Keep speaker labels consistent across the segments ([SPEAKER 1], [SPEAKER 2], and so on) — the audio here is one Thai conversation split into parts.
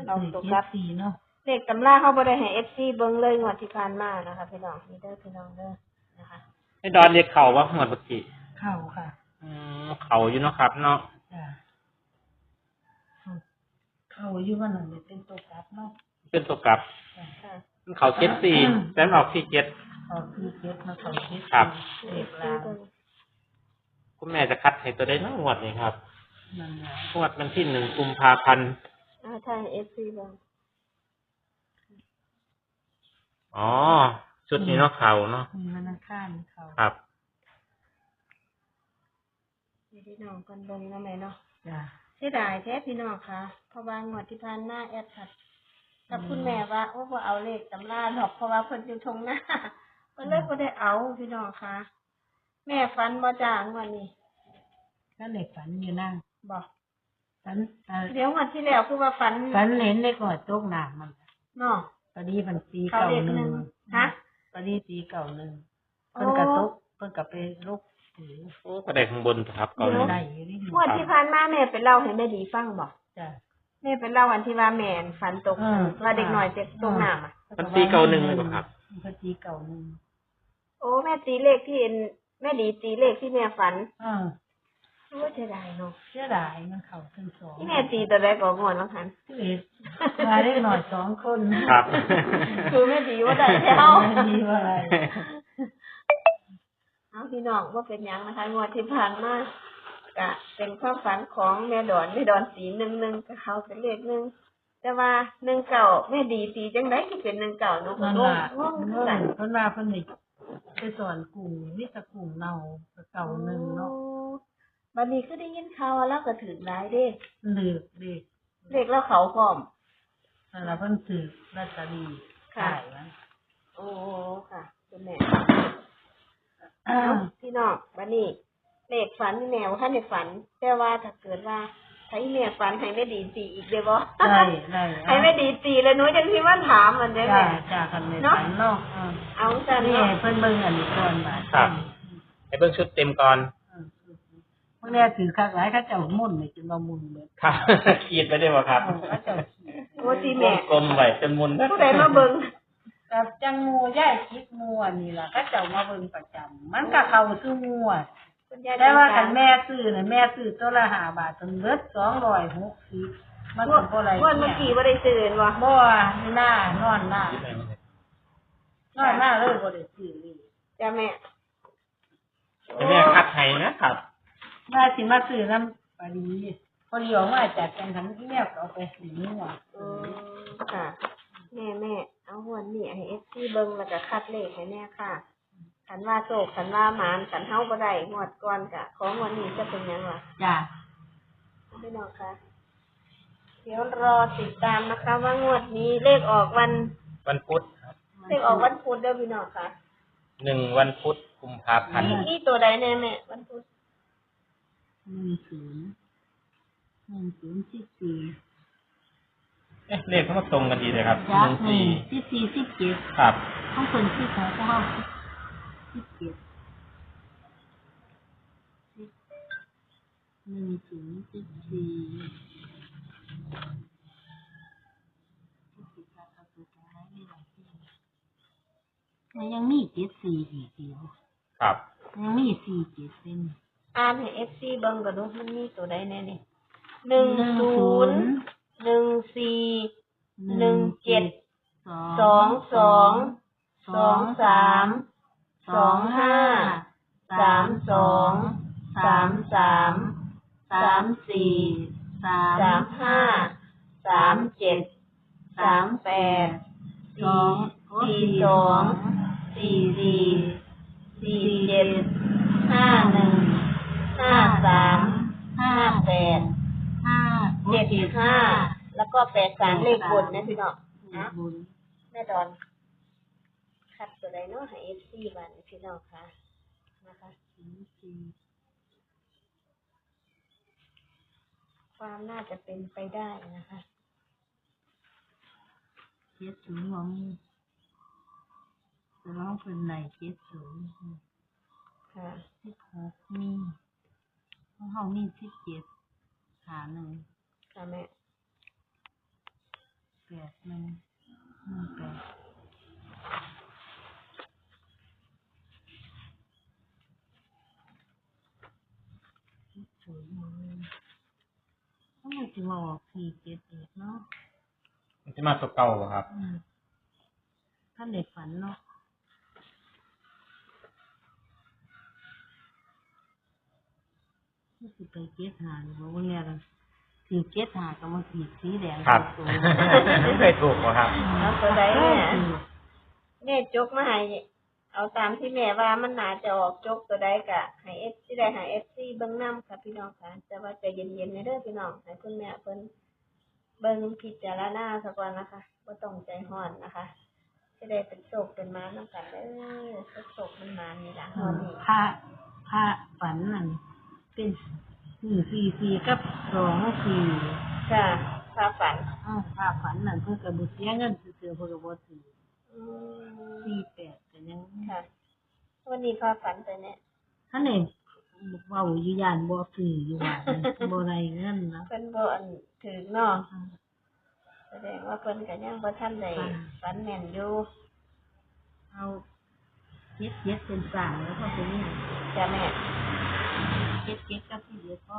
[SPEAKER 1] เราตกรับ4เนาะเลขตำราเขาบ่ได้ให้ FC เบิ่งเลยงวดที่ผ่านมานะคะพี่น้องนี่เด้อพี่น้องเด้อนะคะ
[SPEAKER 2] ให้ดอนเรียกเข่าว่าหมดปกติ
[SPEAKER 1] เข่าค่ะ
[SPEAKER 2] เข่าอยู่เนาะครับเนาะ
[SPEAKER 1] เข่าอยู่ว่านั่นเป็นตัวกลับเนาะ
[SPEAKER 2] เป็นตัวกลับเข่า74แต่ออก47
[SPEAKER 1] ออก47มาเข่า7
[SPEAKER 2] ครับเลขลาวคุณแม่จะคัดให้ตัวได้เนาะงวดนี้ครับ
[SPEAKER 1] นั่นแหละ
[SPEAKER 2] งวดวันที่1กุมภาพันธ์
[SPEAKER 1] ใช่ FC บ่
[SPEAKER 2] อ๋อชุดนี้เนาะเข่าเนาะ
[SPEAKER 1] มันข้างเข่า
[SPEAKER 2] ครับ
[SPEAKER 1] พี่น้องกันเบิ่งเนาะแม่เนาะจ้ะเสียดายแท้พี่น้องค่ะเพราะว่างวดที่ผ่านมาแอดคัดกับคุณแม่ว่าโอ้บ่เอาเลขตำราดอกเพราะว่าเพิ่นอยู่ทงหน้าเพิ่นเลยบ่ได้เอาพี่น้องค่ะแม่ฝันบ่จ้างวดนี้ก็เลขฝันอยู่นั่งบ่ฝันเดี๋ยววันที่แล้วคือว่าฝันเห็นเลขหอดตกน้ำมันเนาะพอดีมันตี91ฮะพอดีตี91เพิ่นก็ตกเพิ่นก็ไปลุก
[SPEAKER 2] โอ้ก็ได้ข้างบนครับ
[SPEAKER 1] เก่าเลยงวดที่ผ่านมาแม่ไปเล่าให้แม่ดีฟังบ่จ้ะแม่ไปเล่าวันที่ว่าแม่ฝันตกว่าเด็กน้อยเจ็บตกน้ำอ่ะ
[SPEAKER 2] มันตี91เลยบ่ครับ
[SPEAKER 1] มันตี91โอ้แม่ตีเลขที่แม่ดีตีเลขที่แม่ฝันโอ้เสียดายเนาะเสียดายมันเข้าถึง2ที่แม่ตีตัวใดก็ม่วนว่าคั่น11มาเด็กน้อย2คน
[SPEAKER 2] ครับ
[SPEAKER 1] คือแม่ดีว่าได้แล้วดีว่าอะไรเอาพี่น้องว่าเป็นยังนะคะงวดที่ผ่านมากะเป็นความฝันของแม่ดอนสี11กับเขาเป็นเลข1แต่ว่า19แม่ดีตีจังได๋ที่เป็น19เนาะก็งงเพิ่นว่าเพิ่นนี่ไปสอนกุ้งมีแต่กุ้งเน่าเก่า1เนาะบัดนี้คือได้ยินข่าวว่าเราก็ถูกหลายเด้เลขแล้วเขาพร้อมนั่นล่ะเพิ่นถูกลอตเตอรี่ค่ะโอ้ค่ะคุณแม่พี่น้องบัดนี้เลขฝันแม่ว่าคันได้ฝันแต่ว่าถ้าเกิดว่าให้แม่ฝันให้แม่ดีตีอีกได้บ่ได้ให้แม่ดีตีแล้วหนูจังสิมาถามมันได้แม่จ้าคันแม่ฝันเนาะเอาซั่นนี่เพิ่นเบิ่งอันนี้ก่อนว่า
[SPEAKER 2] ครับให้เบิ่งชุดเต็มก่อน
[SPEAKER 1] พวกนี้ถือคักหลายเขาเจ้ามุ่นนี่จนบ่มุ่นเบิด
[SPEAKER 2] ครับขีดไปได้บ่ครับ
[SPEAKER 1] เขาเจ้าโอ้สิแม่
[SPEAKER 2] กลมไว้จนมุน
[SPEAKER 1] ผู้ใดมาเบิ่งกับจังงูย่ายคิดงูอันนี้ล่ะเขาเจ้ามาเบิ่งประจำมันก็เข้าสู่งูแต่ว่าคันแม่ซื้อน่ะแม่ซื้อตัวละ5 บาทจนเบิด260มันก็บ่ไหลเมื่อกี้บ่ได้ซื้อบ่หน้านอนหน้าเลยบ่ได้ซื้อเลยจ้ะแม่
[SPEAKER 2] คัดให้นะครับ
[SPEAKER 1] ว่าสิมาซื้อนำปาดีพอดีออกมาจากจังหันที่แม่ก็เอาไปซื้อนี่ว่ะค่ะแม่เอาหวนนี่ให้ FC เบิ่งแล้วก็คัดเลขให้แม่ค่ะคันว่าโชคคันว่าหมานคันเฮาบ่ได้งวดก่อนก็ของวันนี้จะเป็นหยังล่ะจ้ะพี่น้องค่ะเดี๋ยวรอติดตามนะคะว่างวดนี้เลขออก
[SPEAKER 2] วันพุธครับ
[SPEAKER 1] เลขออกวันพุธเด้อพี่น้องค่ะ
[SPEAKER 2] 1วันพุธกุมภาพันธ์
[SPEAKER 1] นี่ตัวใดแน่แม่วันพุธ1014
[SPEAKER 2] เลขเขามาตรงกันดีเลยครับ
[SPEAKER 1] 14
[SPEAKER 2] ครับ
[SPEAKER 1] ของคนที่เขา17มันยังมี74อีกเดียว
[SPEAKER 2] ครับ
[SPEAKER 1] ยังมี47เป็นอ่านให้ FC เบิ่งก็ดูมันมีตัวใดแน่นี่10 14 17 22 23 25 32 33 34 35 37 38 42 44 47 51 53 58 75แล้วก็83เลขบนนะพี่น้องนะแม่ดอนคัดตัวใดเนาะให้ FC บ้านพี่น้องค่ะนะคะความน่าจะเป็นไปได้นะคะ70ของจะร้องเป็นไหน70ค่ะ16มีของเฮามี17 51ค่ะแม่มันจะมาออก4-7อีกเนาะ
[SPEAKER 2] มันจะมาตัวเก่าบ่ครับ
[SPEAKER 1] ท่านเด็กฝันเนาะมันสิไปเก็บหาหรือว่าเนี่ยล่ะสีเก็บหากับมันสีแดง
[SPEAKER 2] ครับ
[SPEAKER 1] ตัว
[SPEAKER 2] ไม่เคยถูกบ่ครับ
[SPEAKER 1] แล้วตัวใดเนี่ยแม่จกมาให้เอาตามที่แม่ว่ามันน่าจะออกจกตัวใดกะให้เอฟซีได้ให้เอฟซีเบิ่งนำค่ะพี่น้องค่ะแต่ว่าใจเย็นๆในเด้อพี่น้องให้คุณแม่เพิ่นเบิ่งพิจารณาซะก่อนนะคะบ่ต้องใจร้อนนะคะจะได้เป็นโชคเป็นมานำกันเด้อโชคมันมานี่ล่ะวันนี้พระฝันนั่นเป็น4กับ2-4ค่ะพระฝันพระฝันนั่นเพิ่นก็บ่เสียเงินซื่อๆเพิ่นก็บ่ถือ48ก็ยังค่ะวันนี้พระฝันไปเนี่ยท่านนี่เว้าอยู่ย่านบ่ซื้ออยู่ว่าบ่ได้เงินนะเพิ่นบ่อันถือเนาะแสดงว่าเพิ่นก็ยังบ่ทันได้ฝันแม่นอยู่เอาเจ็ดเป็นสร้างแล้วก็เป็นนี่จ้ะแม่เจ็ดกับที่เหลือก็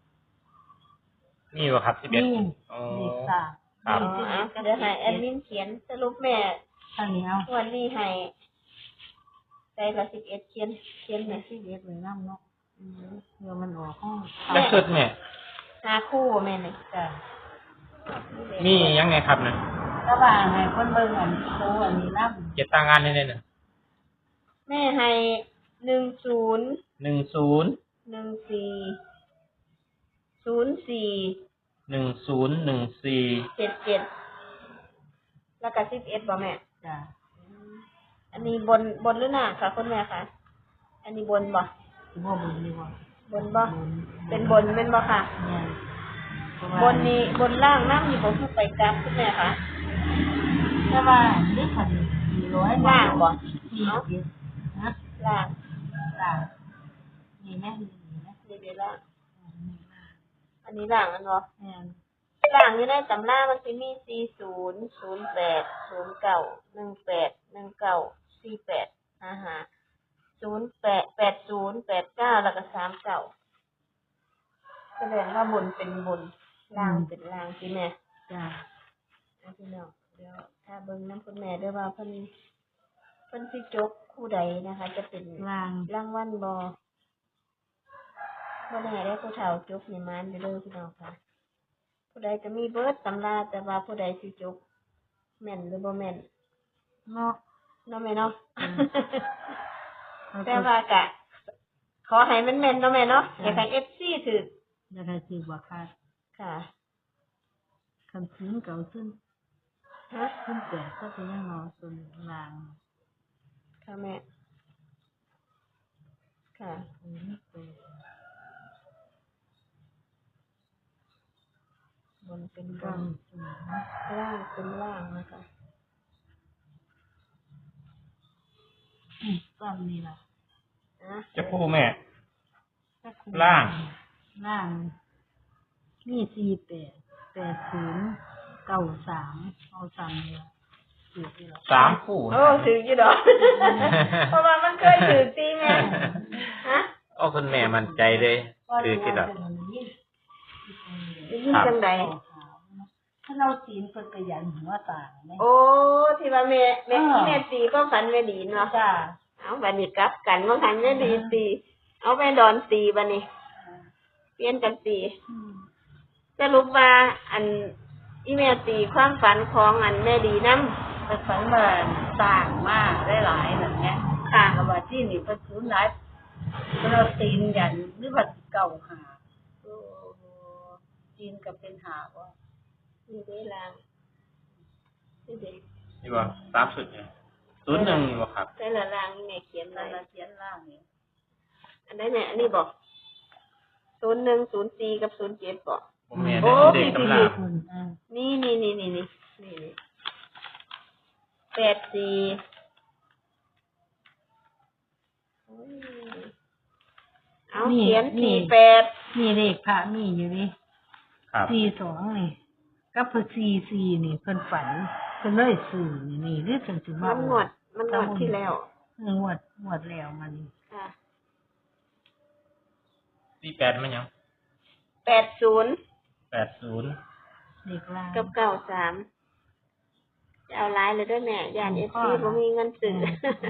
[SPEAKER 2] นี่บ่ครับ11
[SPEAKER 1] นี่
[SPEAKER 2] อ๋อ
[SPEAKER 1] เลขสาม
[SPEAKER 2] ครับ
[SPEAKER 1] เดี๋ยวให้แอดมินเขียนสรุปแม่ทางนี้เอาวันนี้ให้ใจละ11เขียนแม่11เลยนำเนาะเดี๋ยวมันออกห้อง
[SPEAKER 2] แล้วชุดแม่
[SPEAKER 1] หาคู่แม่นี่จ้ะ
[SPEAKER 2] มียังไงครับเนี่ย
[SPEAKER 1] ระหว่างให้คนเบิ่งอันโตอันนี้นำ
[SPEAKER 2] เก็บตางานได้น่ะ
[SPEAKER 1] แม่ให้10
[SPEAKER 2] 10
[SPEAKER 1] 14 04
[SPEAKER 2] 1014
[SPEAKER 1] 77แล้วก็11บ่แม่จ้ะอันนี้บนหรือหน้าค่ะคุณแม่คะอันนี้บนบ่บ่บนนี่บ่บนบ่เป็นบนแม่นบ่ค่ะบนนี้บนล่างน้ำอยู่บ่คือไปกลางคุณแม่คะแต่ว่านี่คัน400ล่างบ่เนาะนะล่างนี่แม่นี่เด้ล่างอันนี้ล่างอันบ่ล่างอยู่ในตำรามันสิมี40 08 09 18 19 48 55 08 80 89แล้วก็39แสดงว่าบนเป็นบนล่างเป็นล่างสิแม่จ้ะพี่น้องเดี๋ยวถ้าเบิ่งนำคุณแม่ด้วยว่าเพิ่นสิจกคู่ใดนะคะ จะเป็นรางวัลบ่แน่ได้ผู้เฒ่าจกนี่มันไปเลยพี่น้องค่ะผู้ใดจะมีเบิดตำราแต่ว่าผู้ใดสิจกแม่นหรือบ่แม่นเนาะแม่เนาะ แต่ว่ากะขอให้มันแม่นเนาะแม่เนาะอยากให้ FC ถืออยากให้ถือบ่ค่ะคันซื้อเก่าขึ้นขึ้นแต่ก็เป็นยังเนาะส่วนล่างค่ะแม่ค่ะบนเป็นบนล่างเป็นล่างนะคะซ้ำนี่ล่ะ
[SPEAKER 2] จะพูแม่ล่าง
[SPEAKER 1] นี่48 80 93เอาซ้ำนี่ถืออยู่หรอ
[SPEAKER 2] 3คู่
[SPEAKER 1] โอ้ถืออยู่ดอกเพราะว่ามันเคยถือตีแม่ฮะ
[SPEAKER 2] โอ้คุณแม่มั่นใจเลยถือกี่ดอก
[SPEAKER 1] ยิ่งจังใดถ้าเราศีลเพิ่นก็ยันหัวตาแม่โอ้ที่ว่าแม่ตีก็ฝันแม่ดีเนาะจ้ะเอาบัดนี้กลับกันว่าคันแม่ดีตีเอาแม่ดอนตีบัดนี้เปลี่ยนกันตีสรุปว่าอันอีแม่ตีความฝันของอันแม่ดีนำเพิ่นฝันว่าสร้างมาหลายๆนั่นแหละค่ะว่าที่นี่เพิ่นสูญหลายเพิ่นเอาตีนยันหรือว่าเก่าหาตีนก็เป็นหาบ่นี่เด้ล่างนี่เด้
[SPEAKER 2] นี่บ่3ชุดเนี่ย01นี่บ่ครับ
[SPEAKER 1] แต่ละล่างนี่แม่เขียนไว้เขียนล่างนี่อันใดเนี่ยอันนี้บ่01 04กับ07บ่
[SPEAKER 2] บ่แม่นเด็กตำรา
[SPEAKER 1] นี่84เอาเขียน48นี่เลขพระมีอยู่นี่42นี่
[SPEAKER 3] กับซีนี่เพิ่นฝันเพิ่นเลยซื้อนี่หรือเพิ่นสิมา
[SPEAKER 1] มันงวดที่แล้ว
[SPEAKER 3] งวดแล้วมัน
[SPEAKER 1] ค่ะ
[SPEAKER 2] 48มันยัง
[SPEAKER 1] 80
[SPEAKER 2] 80
[SPEAKER 3] เด็กลาง
[SPEAKER 1] กับ93จะเอาหลายเลยด้วยแม่ย่าน FC บ่มีเงินซื้อ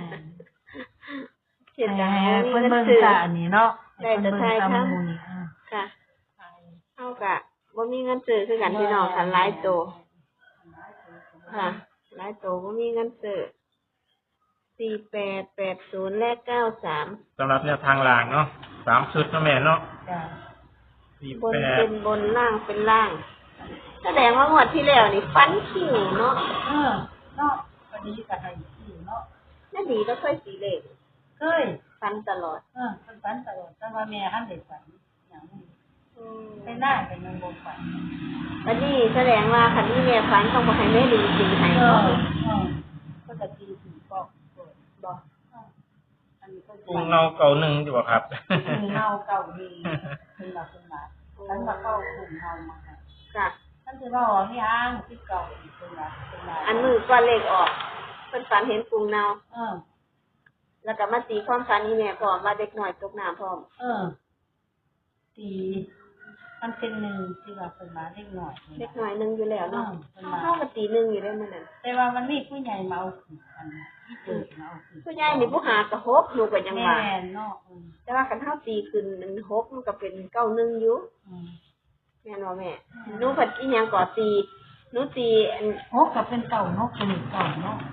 [SPEAKER 1] เสียดายบ่มี
[SPEAKER 3] เพิ่น
[SPEAKER 1] เงิน
[SPEAKER 3] เบิ่ง
[SPEAKER 1] ซื้อ
[SPEAKER 3] ตาอันนี้เนาะ
[SPEAKER 1] ได้แต่ไทย
[SPEAKER 3] เพิ่น
[SPEAKER 1] ค่ะ
[SPEAKER 3] เบิ่งตามหมู่นี่
[SPEAKER 1] ค่ะเฮากะบ่มีเงินซื้อคือกันพี่น้องค่ะหลายโตค่ะหลายโตบ่มีเงินซื้อ48 80และ93
[SPEAKER 2] สำหรับแนวทางล่างเนาะ3ชุดเนาะแม่เนาะ
[SPEAKER 3] จ้ะ
[SPEAKER 1] บนเป็นบนล่างเป็นล่าง แสดงว่างวดที่แล้วนี่ฟันคิวเนาะ
[SPEAKER 3] เนาะพอดีก็ให้ซื้อเนาะ
[SPEAKER 1] น่าดีแล้วค่อยสีเลข
[SPEAKER 3] เคย
[SPEAKER 1] ฟันตลอด
[SPEAKER 3] เพิ่นฝันตลอดแต่ว่าแม่หันได้ฝันหยังไปหน้าเป็นยังบ่ฝัน
[SPEAKER 1] วันนี้แสดงว่าคันนี้แม่ฟันต้องบ่ให้แม่ดีจริงให้
[SPEAKER 3] เอ
[SPEAKER 1] เนาะ
[SPEAKER 3] ก็จะตีถึงบอกบอก อันนี้ก็
[SPEAKER 2] ปรุงเนาเก่าหนึ่งอยู่บ่ครับ
[SPEAKER 3] เงาเก่าดีเป็นหลักเป็นหลักฉันมาเข้ากลุ่มเงามา
[SPEAKER 1] ค่ะ
[SPEAKER 3] ฉันจะว่าอ๋อนี่อ้างที่เก่าอีกเป็นหลักเป็นหลัก
[SPEAKER 1] อันมือก่อนเลขออกเพิ่นฝันเห็นปูเนา
[SPEAKER 3] เออ
[SPEAKER 1] แล้วก็มาตีความฝันนี้แม่พร้อมว่าเด็กน้อยตกน้ำพร้อม
[SPEAKER 3] ตีมันเป็นหนึ่งที่ว่าเป็นมาเล็กหน่อย
[SPEAKER 1] เด็กน้อยหนึงอยู่แล้วเนาะ
[SPEAKER 3] เป็นมา
[SPEAKER 1] เฮาก็ตีหนึงอยู่ได้มื้อนั้น
[SPEAKER 3] แต่ว่ามันมีผู้ใหญ่มาเอาขืนอันที่เกิดมาเอาขืน
[SPEAKER 1] ผู้ใหญ่นี่ผู้หากระหกหนูก็ยัง
[SPEAKER 3] แม่
[SPEAKER 1] ว่า
[SPEAKER 3] เนาะ
[SPEAKER 1] แต่ว่าคันเฮาตีขึ้น1 6มันก็เป็น91อยู่แม่นบ่แม่หนูเพิ่นอีหยังก็ตีหนูตีอัน
[SPEAKER 3] หกกับเป็นเก่าเนาะเป็นเก่าเนาะ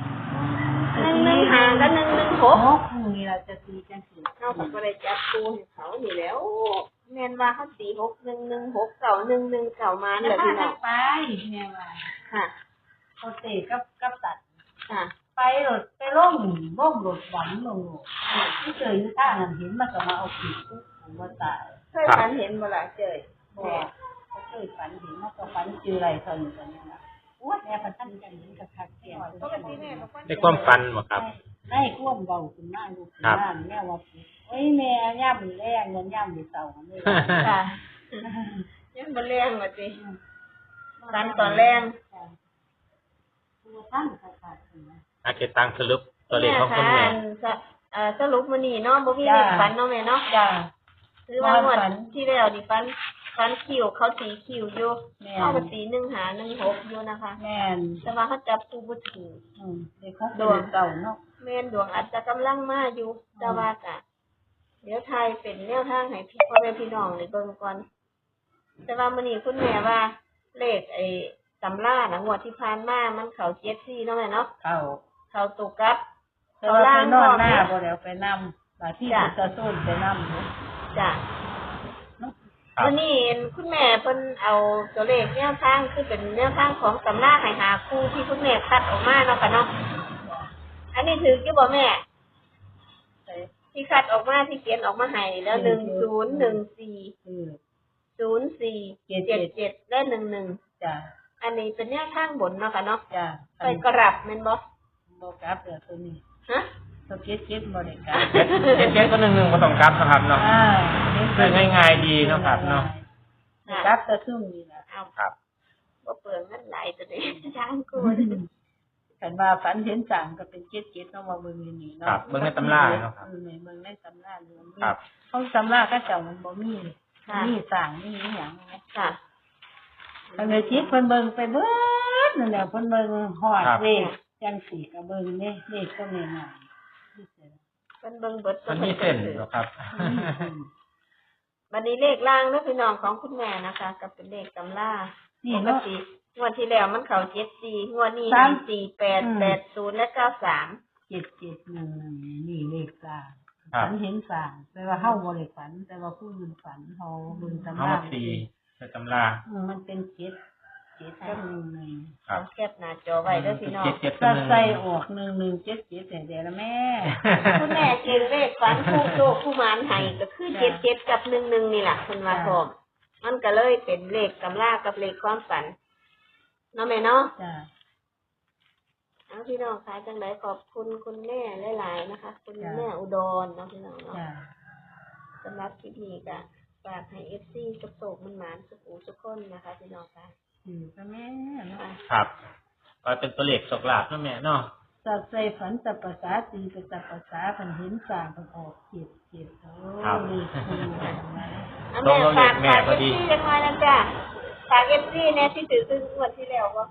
[SPEAKER 1] 1 1 5กับ1 1 6
[SPEAKER 3] หกนี่เราจะตีจังสิ
[SPEAKER 1] เขาก็บ่ได้จับคู่ให้เขานี่แหล้วแม่นว่าเขาตี6 1 1 6 9 1 1 9มา
[SPEAKER 3] แล้
[SPEAKER 1] นั่
[SPEAKER 3] วน
[SPEAKER 1] แหละ
[SPEAKER 3] พา
[SPEAKER 1] พี่น้อน ง
[SPEAKER 3] กัไปแม่ว่า
[SPEAKER 1] ค่ะ
[SPEAKER 3] เขาเตะกับตัด
[SPEAKER 1] ค่ะ
[SPEAKER 3] ไปรถไปล่มรถหวันลงที่เจออยู่ท่านั้นเห็นมันก็มาเอาผิดปุ๊บผมว่าตาย
[SPEAKER 1] เคยฝันเห็นบ่ล่ะเจย
[SPEAKER 3] บอกเขาเคยฝันเห็นมันก็ฝันเจออะไรเท่านี้กันนี่นะอ้วนแม่พันท่านกันเห็นกับทักเสียง
[SPEAKER 1] ปกติแม่ก็ฝัน
[SPEAKER 2] ได้ความฝันบ่ครับ
[SPEAKER 3] ได้ควบเบาขึ้นมากลูกขึ้นมากแม่ว่าเฮ้ยแม่ย่ำมือแรงเงินย่ำมือเสาร์นี่
[SPEAKER 1] ค่ะยังบ่แรงว่าติฝันตอนแรง
[SPEAKER 3] ตัวท่านขาดๆนะ
[SPEAKER 2] อาเกตังสรุปตัวเลขของคุณแม่
[SPEAKER 1] สรุปมื้อนี้เนาะบ่มีเลขฝันเนาะแม่เนาะ
[SPEAKER 3] จ้า
[SPEAKER 1] คือว่างวดที่แล้วนี่ฝันคิวเขาตีคิวอยู่เขาก็ตี1 5 1 6อยู่นะคะ
[SPEAKER 3] แม่น
[SPEAKER 1] แต่ว่าเขาจับคู่บ่ถูก
[SPEAKER 3] เด็กของตัวเก่าเนาะ
[SPEAKER 1] แม่นดวงอาจจะกำลังมาอยู่แต่ว่ากะเดี๋ยวไทยเป็นแนวทางให้พี่พ่อแม่พี่น้องได้เบิ่งก่อนแต่ว่ามื้อนี้คุณแม่ว่าเลขไอ้ตำราน่ะงวดที่ผ่านมามันเข้า74เนาะแม่เนาะ เข้าตกกับ
[SPEAKER 3] แต่ว่าไปนอนหน้าบ่แล้วไปนำบางที่จะต้นไปนำ
[SPEAKER 1] จ้ะ
[SPEAKER 2] ครับ
[SPEAKER 1] มื้อนี้คุณแม่เพิ่นเอาตัวเลขแนวทางคือเป็นแนวทางของตำราให้หาคู่ที่คุณแม่คัดออกมาเนาะค่ะเนาะอันนี้ถืออยู่บ่แม่ ที่คัดออกมาที่เขียนออกมาให้แล้ว10140477และ11
[SPEAKER 3] จ้ะ
[SPEAKER 1] อันนี้เป็นแนวทางบนเนาะค่ะเนาะ
[SPEAKER 3] จ้ะ
[SPEAKER 1] ไปกรับแม่นบ่
[SPEAKER 3] บ่กลับเด้อตัวนี้
[SPEAKER 1] ฮะ
[SPEAKER 3] ตัวเก็ดบ่ได้กลับ
[SPEAKER 2] เจ็ดก็1 1บ่ต้องกลับนะครับเนาะคือง่ายๆดีเนาะครับเนาะ
[SPEAKER 3] กลับแต่ซุ่มนี่ล่ะ
[SPEAKER 1] เอา
[SPEAKER 2] ครับ
[SPEAKER 1] บ่เปลืองเงินหลายตัวนี้ทางกู
[SPEAKER 3] คันว่าฝันเห็นสั่งก็เป็นเก็ดเนาะว่าเบิ่งนี่
[SPEAKER 2] ครั
[SPEAKER 3] เนาะ
[SPEAKER 2] บเบิ่งในตำราเนาะครับ
[SPEAKER 3] เบิ่งในตำราเรื่อง
[SPEAKER 2] ครับ
[SPEAKER 3] เขาตำราก็เจ้ามันบ่มี
[SPEAKER 1] ค่ะ
[SPEAKER 3] มีสั่งมีอีหยังไง
[SPEAKER 1] ค่ะ
[SPEAKER 3] เพิ่นเลยจิตเพิ่นเบิ่งไปเบิดนั่นแหละเพิ่นเบิ่งฮอดเลขจังสี่ก็เบิ่งเด้เลขก็แม่น
[SPEAKER 1] เพิ่นเบิ่งเบิด
[SPEAKER 2] มันมีเส้นเหรอครับ
[SPEAKER 1] บัดนี้เลขล่างเด้อพี่น้องของคุณแม่นะคะก็เป็นเลขตำรา
[SPEAKER 3] นี่
[SPEAKER 1] ปก
[SPEAKER 3] เนาะ
[SPEAKER 1] ติงวดที่แล้วมันเข้า74งวดนี้4880และ93
[SPEAKER 3] 7711นี่เลขสร้าง
[SPEAKER 2] ครับ
[SPEAKER 3] ฝันเห็นสร้างแต่ว่าเฮาบ่ได้ฝัน แต่ว่าผู้อื่นฝันเฮาเบิ่งตำ
[SPEAKER 2] เอา
[SPEAKER 3] รา
[SPEAKER 2] มาตีในตำรา
[SPEAKER 3] มันเป็น7กับ11
[SPEAKER 2] ครับ
[SPEAKER 1] แคปหน้าจอไว้เด้อพี่น้อง
[SPEAKER 2] เจ็ด
[SPEAKER 3] ถ้า
[SPEAKER 2] 1
[SPEAKER 3] ใส่ออก1177แต่เดี๋ยวละแม่
[SPEAKER 1] คุณแม่เก่งเลขฝันผู้โชคผู้หมานให้ก็คือ77กับ11นี่ล่ะเพิ่นว่าพร้อมมันก็เลยเป็นเลขตำรากับเลขความฝันเนาะแม่เนาะ
[SPEAKER 3] จ้ะ
[SPEAKER 1] เอาพี่น้องคะจังไดขอบคุณคุณแม่หลายๆนะคะ คุณแม่อุดรเนาะพี่น้องเนาะ
[SPEAKER 3] จ้ะ
[SPEAKER 1] สำหรับคลิปนี้ก็ฝากให้ FC สุขโศกมันหมานสุขหูสุขคนนะคะพี่น้องค่ะ
[SPEAKER 3] ถือก็แม่เนาะ
[SPEAKER 2] ครับก็เป็นตัวเลขโชคลาภเนาะแม่เนาะ
[SPEAKER 3] สัตว์ใส่ฝันสัพภาษาตีเป็นสัพภาษาพันเห็นสร้างประกอบเจ็ดโอ้นี่คือนะ
[SPEAKER 1] เอาแม่ฝากฝากเอฟซีจังหน่อยนะจ้ะฝากเอฟซีเนี่ยที่ถือซึ่งงวดที่แล้วบ่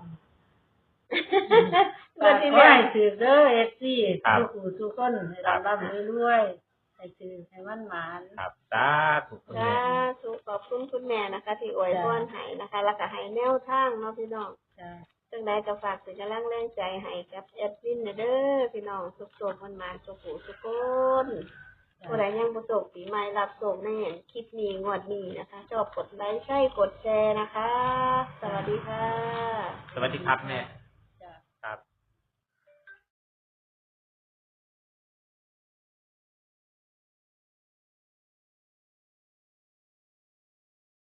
[SPEAKER 1] งวดที่
[SPEAKER 3] ขอ
[SPEAKER 1] แล้ว
[SPEAKER 3] ให้ถือเด้อเอฟซีทุกผู้ทุกคนให้ร่ำรวยให้ถือให้มันหมาน
[SPEAKER 2] ครับสาธุคุณ
[SPEAKER 1] จ้า
[SPEAKER 2] แม่
[SPEAKER 1] สุขอบคุณคุณแม่นะคะ ที่อวยพรให้นะคะ แล้วก็ให้แนวทางเนาะพี่น้อง
[SPEAKER 3] จ้า
[SPEAKER 1] จังใดก็ฝากเป็นกำลังแรงใจให้กับแอดมินเด้อพี่น้องสุขๆมันสุขหูสุขคนผู้ใดยังบ่โศกปีใหม่รับโศกในเห็นคลิปนี้งวดนี้นะคะ ชอบกดไลค์ใช่กดแชร์นะคะ สวัสดีค่ะ
[SPEAKER 2] สวัสดีครับแม่